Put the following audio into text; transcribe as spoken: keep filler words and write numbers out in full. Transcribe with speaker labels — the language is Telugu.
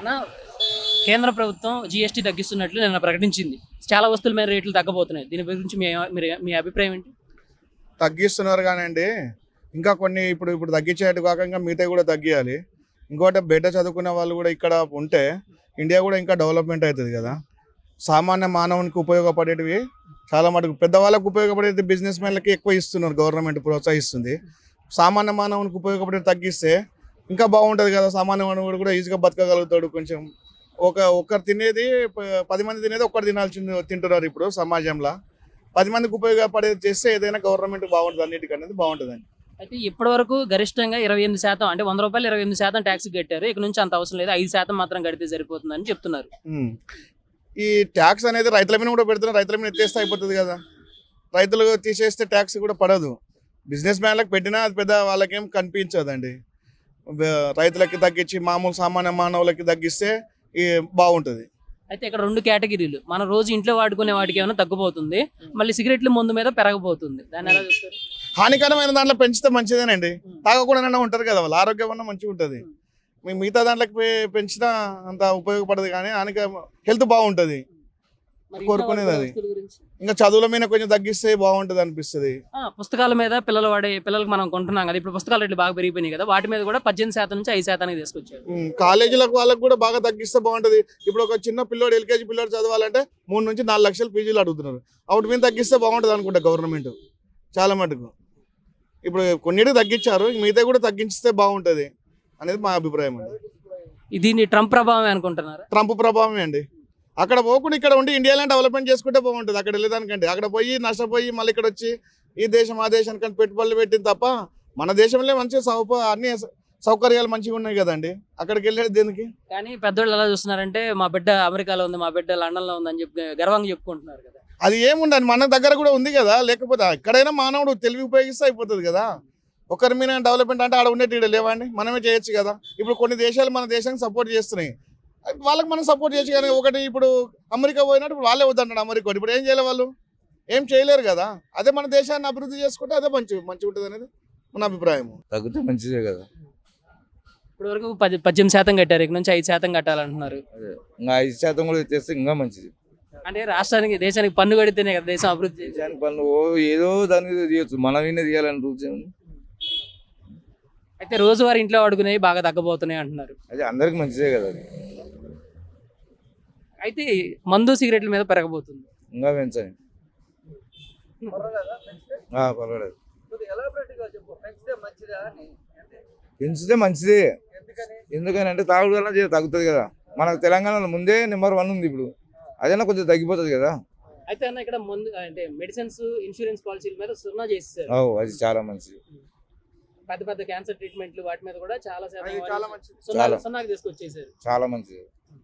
Speaker 1: అన్న కేంద్ర ప్రభుత్వం జీఎస్టీ తగ్గిస్తున్నట్లు నిన్న ప్రకటించింది. చాలా వస్తువుల మీద రేట్లు తగ్గబోతున్నాయి. దీని గురించి మీ మీరు మీ అభిప్రాయం ఏంటి?
Speaker 2: తగ్గిస్తున్నారు కానండి. ఇంకా కొన్ని ఇప్పుడు ఇప్పుడు తగ్గించేట్టు కాకుండా మిగతా కూడా తగ్గియాలి. ఇంకోటి బయట చదువుకునే వాళ్ళు కూడా ఇక్కడ ఉంటే ఇండియా కూడా ఇంకా డెవలప్మెంట్ అవుతుంది కదా. సామాన్య మానవునికి ఉపయోగపడేటివి చాలా మటుకు పెద్దవాళ్ళకు ఉపయోగపడేది బిజినెస్ మ్యాన్లకి ఎక్కువ ఇస్తున్నారు, గవర్నమెంట్ ప్రోత్సహిస్తుంది. సామాన్య మానవునికి ఉపయోగపడేది తగ్గిస్తే ఇంకా బాగుంటుంది కదా. సామాన్య మానవుడు కూడా ఈజీగా బతకగలుగుతాడు. కొంచెం ఒక ఒక్కరు తినేది ప- పది మంది తినేది ఒక్కరు తినాల్సింది తింటున్నారు ఇప్పుడు సమాజంలో. పది మందికి ఉపయోగపడేది చేస్తే ఏదైనా గవర్నమెంట్ బాగుంటుంది, అన్నిటికనేది బాగుంటుందండి.
Speaker 1: అయితే ఇప్పటి వరకు గరిష్టంగా ఇరవై ఎనిమిది శాతం అంటే వంద రూపాయలు ఇరవై ఎనిమిది శాతం ట్యాక్స్ కట్టారు. ఇక నుంచి అంత అవసరం లేదు, ఐదు శాతం మాత్రం కడితే సరిపోతుందని చెప్తున్నారు.
Speaker 2: ఉమ్. ఈ ట్యాక్స్ అనేది రైతుల మీద కూడా పెడుతున్నారు. రైతుల మీద ఎత్తేస్తే అయిపోతుంది కదా. రైతులు తీసేస్తే ట్యాక్స్ కూడా పడదు. బిజినెస్ మ్యాన్లకు పెట్టినా అది పెద్ద వాళ్ళకేం కనిపించదండి. బ- రైతులకి తగ్గించి మామూలు సామాన్య మానవులకి తగ్గిస్తే ఈ బాగుంటుంది.
Speaker 1: అయితే ఇక్కడ రెండు కేటగిరీలు, మనం రోజు ఇంట్లో వాడుకునే వాటికి ఏమైనా తగ్గిపోతుంది, మళ్ళీ సిగరెట్ల ముందు మీద పెరగబోతుంది. దాన్ని ఎలా చూస్తారు?
Speaker 2: హానికరమైన దాంట్లో పెంచితే మంచిదేనండి. తాగకుండా ఉంటారు కదా, వాళ్ళ ఆరోగ్యం అన్న మంచిగా ఉంటుంది. మీ మిగతా దాంట్లోకి పె- పెంచినా అంత ఉపయోగపడదు, కానీ హానిక హెల్త్ బాగుంటుంది.
Speaker 1: మరి
Speaker 2: కోరుకునేది
Speaker 1: ఇంట్లో వాడే
Speaker 2: అది.
Speaker 1: వస్తువుల గురించి?
Speaker 2: ఇంకా చదువుల మీద కొంచెం తగ్గిస్తే బాగుంటుంది అనిపిస్తుంది.
Speaker 1: ఆ, పుస్తకాల మీద పిల్లలు వాడే పిల్లలకు మనం కొంటున్నాం కదా, ఇప్పుడు పుస్తకాల రేట్లు బాగా పెరిగిపోయినాయి కదా, వాటి మీద కూడా పద్దెనిమిది శాతం నుంచి ఐదు శాతానికి తీసుకొచ్చారు.
Speaker 2: ఉమ్, కాలేజీలకు వాళ్ళకి కూడా బాగా తగ్గిస్తే బాగుంటుంది. ఇప్పుడు ఒక చిన్న పిల్లోడు ఎల్కేజీ పిల్లోడు చదవాలంటే మూడు నుంచి నాలుగు లక్షలు పీజీలు అడుగుతున్నారు. అప్పుడు మీద తగ్గిస్తే బాగుంటుంది అనుకుంటా గవర్నమెంట్ చాలా మటుకు. ఇప్పుడు కొన్నిటికి తగ్గించారు, మిగతా కూడా తగ్గించితే బాగుంటుంది అనేది మా అభిప్రాయం అండి.
Speaker 1: దీన్ని ట్రంప్ ప్రభావం అనుకుంటున్నారు.
Speaker 2: ట్రంప్ ప్రభావమే అండి. అక్కడ పోకుండా ఇక్కడ ఉండి ఇండియాలో డెవలప్మెంట్ చేసుకుంటే బాగుంటుంది. అక్కడ వెళ్ళేదానికంటే అక్కడ పోయి నష్టపోయి మళ్ళీ ఇక్కడ వచ్చి ఈ దేశం ఆ దేశానికంటే పెట్టుబడులు పెట్టింది తప్ప మన దేశంలో మంచిగా సౌప అన్ని సౌకర్యాలు మంచిగా ఉన్నాయి కదండి. అక్కడికి వెళ్ళేది దేనికి?
Speaker 1: కానీ పెద్దోళ్ళు ఎలా చూస్తున్నారంటే మా బిడ్డ అమెరికాలో ఉంది, మా బిడ్డ లండన్లో ఉంది అని చెప్పి గర్వంగా చెప్పుకుంటున్నారు కదా.
Speaker 2: అది ఏముండదు, మన దగ్గర కూడా ఉంది కదా. లేకపోతే ఎక్కడైనా మానవుడు తెలివి ఉపయోగిస్తే అయిపోతుంది కదా. ఒకరి మీద డెవలప్మెంట్ అంటే ఆడ ఉండేటి ఈడ లేవండి, మనమే చేయొచ్చు కదా. ఇప్పుడు కొన్ని దేశాలు మన దేశానికి సపోర్ట్ చేస్తున్నాయి, వాళ్ళకి మనం సపోర్ట్ చేయొచ్చు. కానీ ఒకటి ఇప్పుడు అమెరికా పోయినట్టు ఇప్పుడు వాళ్ళే వద్దంటాడు అమెరికా వాడు. ఇప్పుడు ఏం చేయలే, వాళ్ళు ఏం చేయలేరు కదా. అదే మన దేశాన్ని అభివృద్ధి చేసుకుంటే అదే మంచి మంచిగా ఉంటుంది అనేది మన అభిప్రాయం.
Speaker 3: తగ్గితే మంచిదే కదా.
Speaker 1: ఇప్పటి వరకు పది పద్దెనిమిది శాతం కట్టారు, ఇక నుంచి ఐదు శాతం కట్టాలంటున్నారు.
Speaker 3: అదే ఇంకా ఐదు శాతం కూడా తెస్తే ఇంకా మంచిది.
Speaker 1: అంటే రాష్ట్రానికి దేశానికి పన్ను కడితేనే కదా దేశం అభివృద్ధి చేసేది.
Speaker 3: దేశానికి పనులు ఓ ఏదో దాని మీద తీయచ్చు, మన మీద తీయాలని రూల్స్ ఏముంది.
Speaker 1: అయితే రోజువారీ ఇంట్లో వాడుకునేవి బాగా తగ్గబోతున్నాయి అంటున్నారు.
Speaker 3: అదే అందరికి మంచిదే కదా. అది
Speaker 1: అయితే మందు సిగరెట్ల మీద పెరగబోతుంది.
Speaker 3: ఇంకా పెంచండి. ఆ, పర్వాలేదు. పెంచితే మంచిదే. ఎందుకని అంటే తాగుడు వల్ల జర తగ్గుతుంది కదా. మనకు తెలంగాణలో ముందే నెంబర్ వన్ ఉంది, ఇప్పుడు అదైనా కొంచెం తగ్గిపోతుంది కదా.
Speaker 1: అయితే అన్న ఇక్కడ మందు అంటే మెడిసిన్స్ ఇన్సూరెన్స్ పాలసీల మీద సున్నా చేసేసారు.
Speaker 3: ఓ అది చాలా మంచిది.
Speaker 1: పెద్ద పెద్ద క్యాన్సర్ ట్రీట్మెంట్లు వాటి మీద కూడా చాలా శాతం
Speaker 2: అది చాలా మంచిది.
Speaker 1: సున్నా- సున్నాకి తీసుకొచ్చేసారు.
Speaker 3: చాలా మంచిది.